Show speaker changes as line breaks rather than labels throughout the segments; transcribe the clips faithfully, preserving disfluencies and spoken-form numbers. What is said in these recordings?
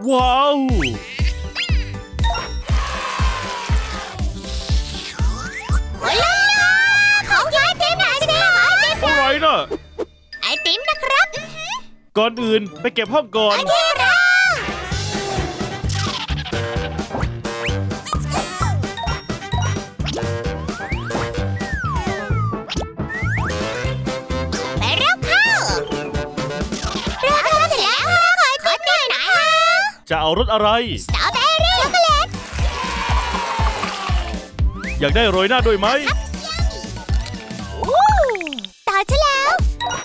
ว้าว
ของยายติมหน่อยสิ
อะไรน่ะ
ไอติมนะครับ
ก่อนอื่นไปเก็บห้องก่อน
โอเคครับไปเร็วเข้าเราทำเสร็จแล้วขอขอติมหน่อยฮะ
จะเอารสอะไร
สตรอเบอรี่ช็อกโกแลต
อยากได้โรยหน้าด้วยไหม
ต่อฉันแล้ว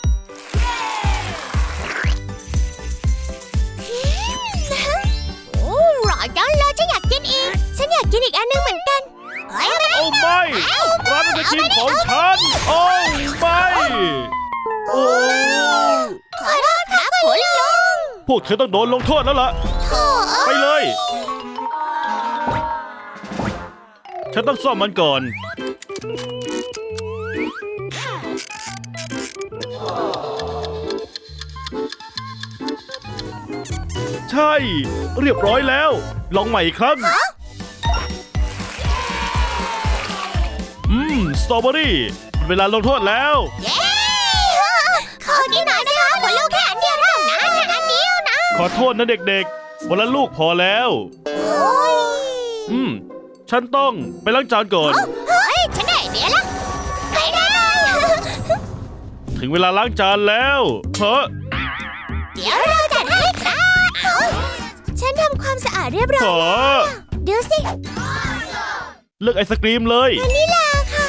โอ้หรอจังเลยฉันอยากกินอีกฉันอยากกินอีกอันนึงเหมือนกัน
โอ้ไม่ร้านไอศกรีมของฉันโอ้ไม่โอ้
ขอโทษครับคุณลุง
พวกเธอต้องโดนลงโทษแล้วล่ะไปเลยฉันต้องซ่อมมันก่อนใช่เรียบร้อยแล้วลองใหม่อีกครั้งอืมสตรอเบอรี่เวลาลงโทษแล้ว
เย้ขอกินหน่อยนะคะคุณลูกแค่อันเดียวเท่านั้นนะอันเดียวนะ
ขอโทษนะเด็กๆวันละลูกพอแล้วอืมฉันต้องไปล้างจานก่อน
เฮ้ยฉันได้เดี๋ยวละไปได้
ถึงเวลาล้างจานแล้วเฮ้อ
เดี๋ยวเราจัดให้ครับฉันทำความสะอาดเรียบร้อยเดี๋ยวสิ
เลือกไอศกรีมเลยว
านิลาค่ะ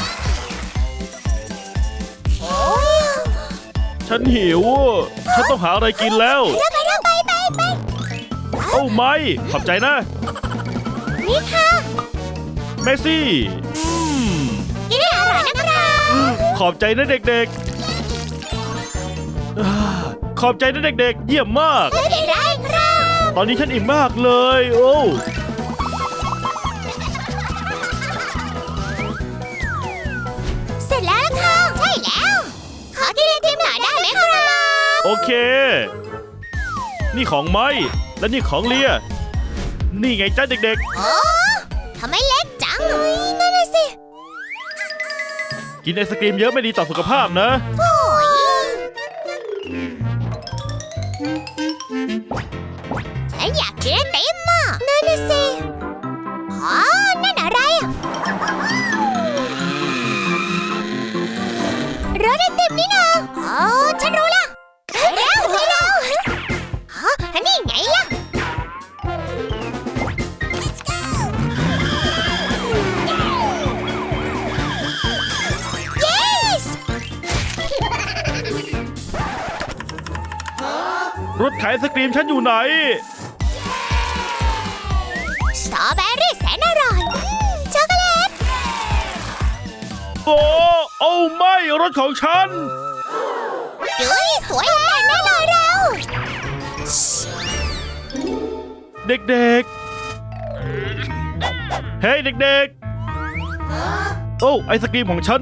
โอ้ย
ฉันหิวฉันต้องหาอะไรกินแล้ว
ไปไปไปไปไป
โอ้ไม่ขอบใจนะ
นี่ค่ะ
เมซี่
กินให้อร่อยนะครับ
ขอบใจนะเด็กๆขอบใจนะเด็กๆเยี่ยมมาก
ไม่เป็นไรครับ
ตอนนี้ฉันอิ่มมากเลยโอ้
เสร็จแล้วค่ะใช่แล้วขอกินไอติมหน่อยได้ไหมครับ
โอเคนี่ของไม้และนี่ของเลียนี่ไงจ้าเด็ก
ๆโอ้ทำไมเล็กจังนั่นน่ะสิ
กินไอศกรีมเยอะไม่ดีต่อสุขภาพนะ
โอ้ยฉันอยากกินไอติมอ่ะนั่นน่ะสิอ๋อนั่นอะไรรสไอติมนี่นะอ๋อฉันรู้ละเร็วเร็วอ๋อนี่ไงล่ะ
รถขายไอศกรีมฉันอยู่ไหน
สตรอเบอรี่แสนอร่อยช็อกโกแลต
โอ้โอ้ไม่รถของฉัน
เฮ้ยสวยเลยแน่เลยเรา
เด็กๆเฮ้ยเด็กๆโอ้ไอศกรีมของฉัน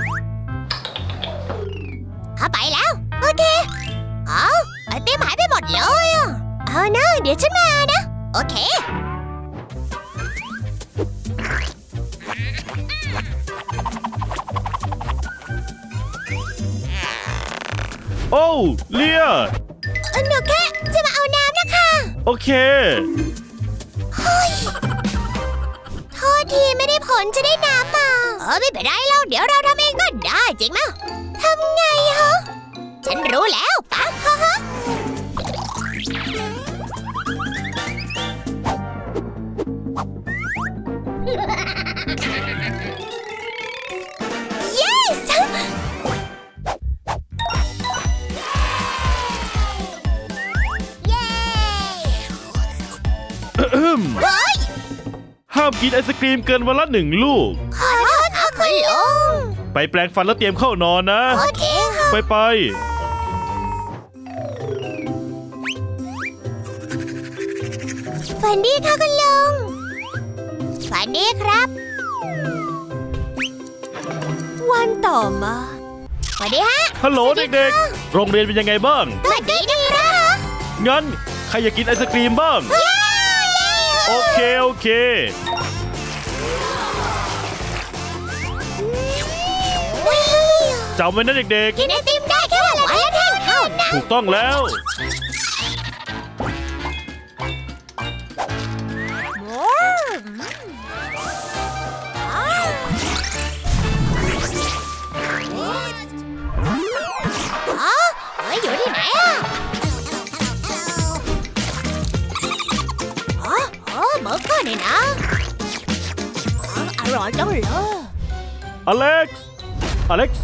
เข้าไปแล้วโอเคเอาไอติมหายไปหมดเลยอ่ะเอานะเดี๋ยวฉันมานะโอเค
โอ้เลีย
หนูแค่จะมาเอาน้ำนะคะ
โอเค
เฮ้ยโทษทีไม่ได้ผลจะได้น้ำมาเออไม่เป็นไรแล้วเดี๋ยวเราทำเองก็ได้จริงมั้ยทำไงฮะฉันรู้แล้วปะฮะฮะ yes เย้
ห้ามกินไอศกรีมเกินวันละหนึ่งลูก
ขอโทษค่ะคุณลุง
ไปแปรงฟันแล้วเตรียมเข้านอนนะ
โอเคค่ะ
ไปไป
ฝันดีค่ะคุณลุงฝันดีครับวันต่อมาสวัสดีฮะ
ฮัลโหลเด็กๆโรงเรียนเป็นยังไงบ้าง
สวัสดีนะครับ
งั้นรอยากกินไอศกรีมบ้าง โอเค โอเค จำไว้นะเด็ก
กินไอติมได้แค่วันละแท่งเท่านั้น
ๆ ถูกต้องแล้ว
อ๋อเฮ้ยอยู่ที่ไหนอ่ะอ๋ออ๋อเบอร์เกอร์นี่นะอ๋ออร่อยจังเลย
อเล็กซ์ อเล็กซ์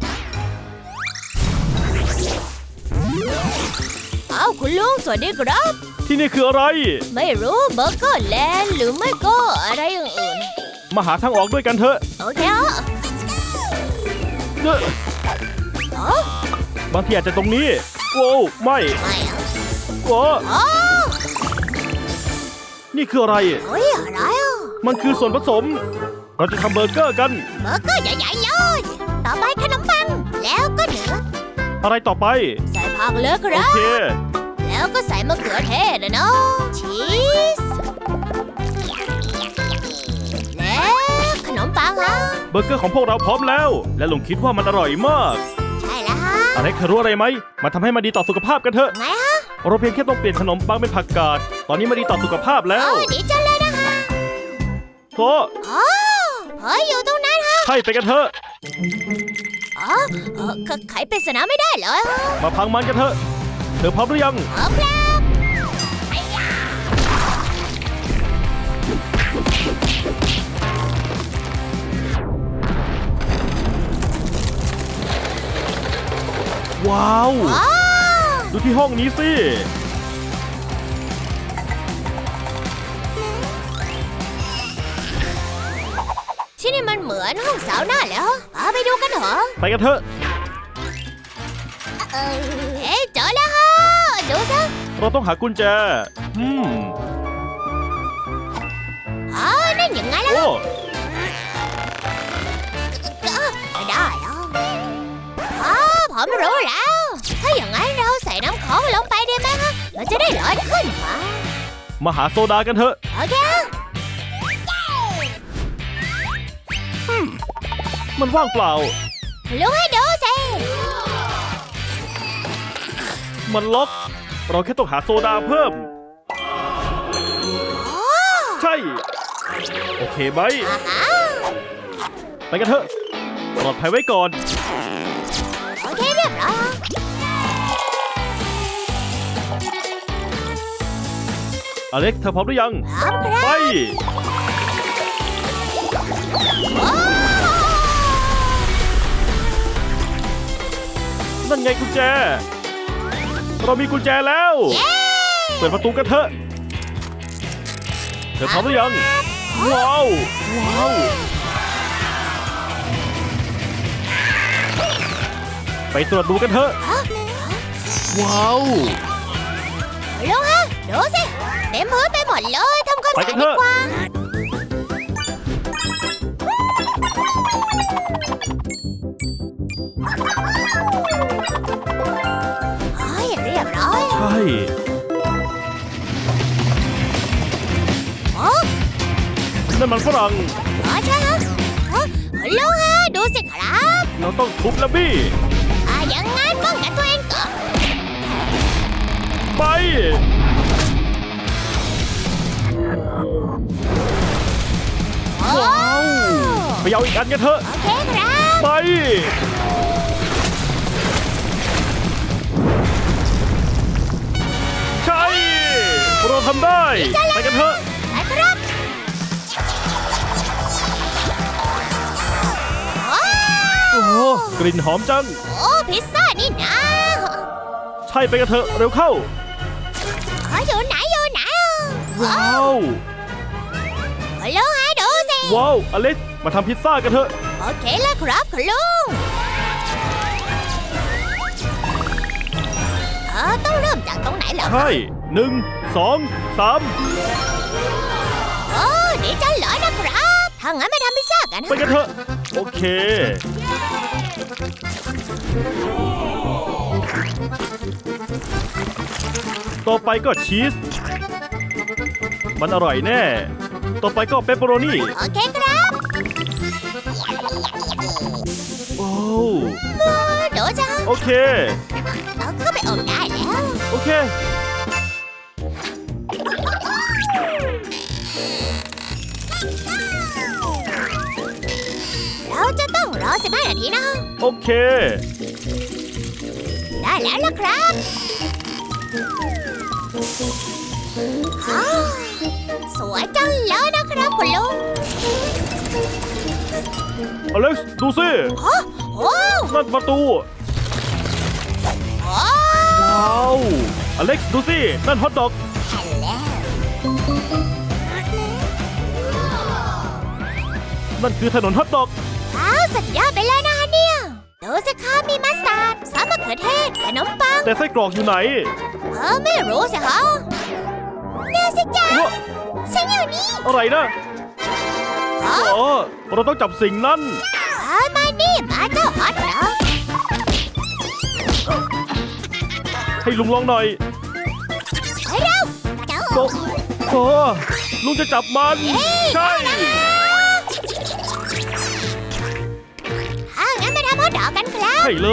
อ้าวคุณลุงสวัสดีครับ
ที่นี่คืออะไร
ไม่รู้เบอร์เกอร์แลนด์หรือไม่ก็อะไรอย่างอื่น
มาหาทางออกด้วยกันเถอะ
โอเคอ่ะ
เอ้อ
อ๋อบ
างทีอาจจะตรงนี้ โว้วไม่
ไม่อ่ะ
โว้
อ๋อ
นี่คืออะไร
เฮ้ยอะไรอ่ะ
มันคือส่วนผสม เราจะทำเบอร์เกอร์กัน
เบอร์เกอร์ใหญ่ๆเลย ต่อไปขนมปัง แล้วก็เนื้อ
อะไรต่อไป
ใส่ผักเลยค
โอ
รับ
เค
แล้วก็ใส่มะเขือเทศนะเนาะชีส แล้วขนมปังฮะ
เบอร์เกอร์ของพวกเราพร้อมแล้ว และลุงคิดว่ามันอร่อยมาก
ใช่แล้วฮะ
อเล็กซ์เธอรู้อะไรไหม มาทำให้มันดีต่อสุขภาพกันเถอะ
ไงฮะ
เราเพียงแค่ต้องเปลี่ยนขนมปังเป็นผักกาด ตอนนี้มันดีต่อสุขภาพแล้
โอ้
ว
ดีจังเลยนะคะ
โธ่
อ๋อเฮ้ยอยู่ตรงนั้นฮะ
ใช่ไปกันเถอะ
อ๋อเออขไขปริศนาไม่ได้เหรอฮะ
มาพังมันกันเถอะ เธอพร้อมหรือยัง
พร้อมครับไอ้ยา
ว้าว
ว้าว
ดูที่ห้องนี้สิ
ที่นี่มันเหมือนห้องสาวหน้าแล้วเอาไปดูกันเหรอ
ไปกันเถอะ
เออเอ๊ะเจอแล้วฮะดูซะ
เราต้องหากุญแจ อืม
อ๋อนั่นยังไงล่ะ
โอ้
ก็ได้แล้วอ๋อผมรู้แล้ว ถ้าอย่างนั้นเราใส่น้ำของลงไปได้ไหมฮะมันจะได้ร้อนขึ้นมา
มาหาโซดากันเถอะ
โอเค
มันว่างเปล่า
ลุงให้ดูสิ
มันล็อก เราแค่ต้องหาโซดาเพิ่ม
อ๋อ
ใช่ โอเคไหม
อ่าฮะ
ไปกันเถอะ ปลอดภัยไว้ก่อน
โอเคเรียบร้อย
อเล็กซ์เธอพร้อมหรือยัง
พร้อมครับ
ไป
โอ้
นั่นไงกุญแจ เรามีกุญแจแล้ว
เย้
เปิดประตูกันเถอะ เธอพร้อมหรือยัง ว้าว ว้าว ไปตรวจดูกันเถอะ
ฮะ
ว้าว
ลุงฮะดูสิเต็มพื้นไปหมดเลยทำความ
ไป
สะ
กั
อาน ด
เถ
ดี
อะ
กว่าเฮ้ยเรียบร้อย
ใช่
โอ้
นั่นมันฝรั่ง
อ๋อใช่ฮะเอ้อลุงฮะดูสิครับ
เราต้องทุบและบี้
อ่าอย่างงั้นป้องกันตัวเองก่อน
ไป
โอ้
ว้าว ไปเอาอีกอันกันเถอะ
โอเคครับ
ไป ใช่ เราทำได้ ไปกันเถอะ
ไปครับโอ้
โอ้โหกลิ่นหอมจัง
โอ้พิซซ่านี่นะ
ใช่ไปกันเถอะ เร็วเข้า
อ๋ออยู่ไหนอยู่ไหนอ่ะ
ว้าว
คุณลุงฮะดูสิ
ว้าว อเล็กซ์มาทำพิซซ่ากันเถอะ
โอเคแล้วครับคุณลุงเออต้องเริ่มจากตรงไหนเหรอ
ใช่หนึ่ง สอง สาม
โอ้ดีจังเลยนะครับถ้างั้นมาทำพิซซ่ากัน
ไป
นะ
กันเถอะ โอเคต่อไปก็ชีส มันอร่อยแน่ ต่อไปก็เปปเปอโรนี่
โอเคครับ
โอ้
โดจัง
โอเค
เอาเข้าไปอบได้แล้ว
โอเค
เราจะต้องรอสิบห้านาทีนะ
โอเค
ได้แล้วล่ะครับอ้าวสวยจังเลยนะครับคุณลุง
อเล็กซ์ดูสิ
โอ้โห
นั่นประตู
โอ้
ว้าว อเล็กซ์ดูสิ นั่นฮอทดอก
ฮัลโหล
นั่นคือถนนฮอทดอก
ว้าวสุดยอดไปเลยนะคะเนี่ยดูสิครับมีมัสตาร์ดซอสมะเขือเทศขนมปัง
แต่ไส้กรอกอยู่ไหน
เออไม่รู้สิคะเดี๋ยวสิจ๊ะ
วะ
ฉันอยู่นี่
อะไรนะ
อ๋อ
อ๋อ เราต้องจับสิ่งนั้น
เอามานี่มาเจ้าฮอตดอก
ให้ลุงลองหน่อย
ไปเร็วเจ้า
โตโอ้ลุงจะจับมัน ใช่
ถ้างั้นมาทำฮอตดอกกันครับ
ใช่เลย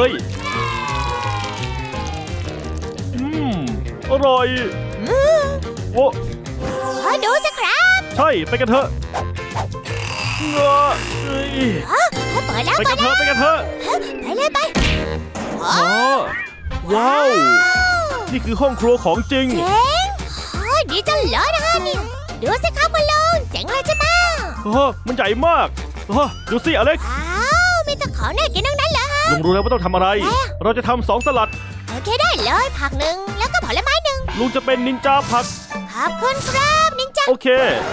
อืม อร่อย
อืม
โอ้
ขอดูสิครับ
ใช่ ไปกันเถอะเงาเอ้ย
อ๋อเปิดแล้ว
ไป
เปิ
กั
ด
นเถ
แล้ว
อะ ไปกันเถอะ
ไปเลยไปอ๋อ
อ๋อ ว้าว นี่คือห้องครัวของจริง
เจ๋งโอ้ยดีจังเลยนะคะเนี่ยดูสิครับคุณลุงเจ๋งเลยใช่ไหม
โอ้โหมันใหญ่มากโอ้โหดูสิอเล็กซ์
ว้าวมีแต่ของน่ากินทั้งนั้นเหรอฮะ
ลุงรู้แล้วว่าต้องทำอะไร
อะไรอะ
เราจะทำสองสลัด
โอเคได้เลยผักหนึ่งแล้วก็ผลไม้หนึ่ง
ลุงจะเป็นนินจาผัก
ขอบคุณครับนินจา
โอเค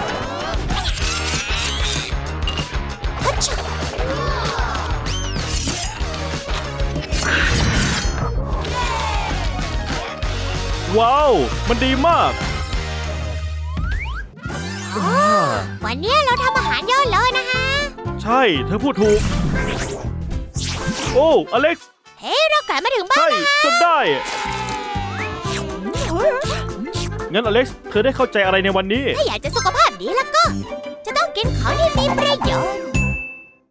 ฮัชชะ
ว้าว มันดีมาก
อ๋อวันนี้เราทำอาหารเยอะเลยนะคะ
ใช่ เธอพูดถูก โอ้อเล็กซ์
เฮ้ยเรากลับมาถึงบ้า
ใช่
นแล้ว
จนได้ งั้นอเล็กซ์ เธอได้เข้าใจอะไรในวันนี้
ถ้าอยากจะสุขภาพดีแล้วก็ จะต้องกินของ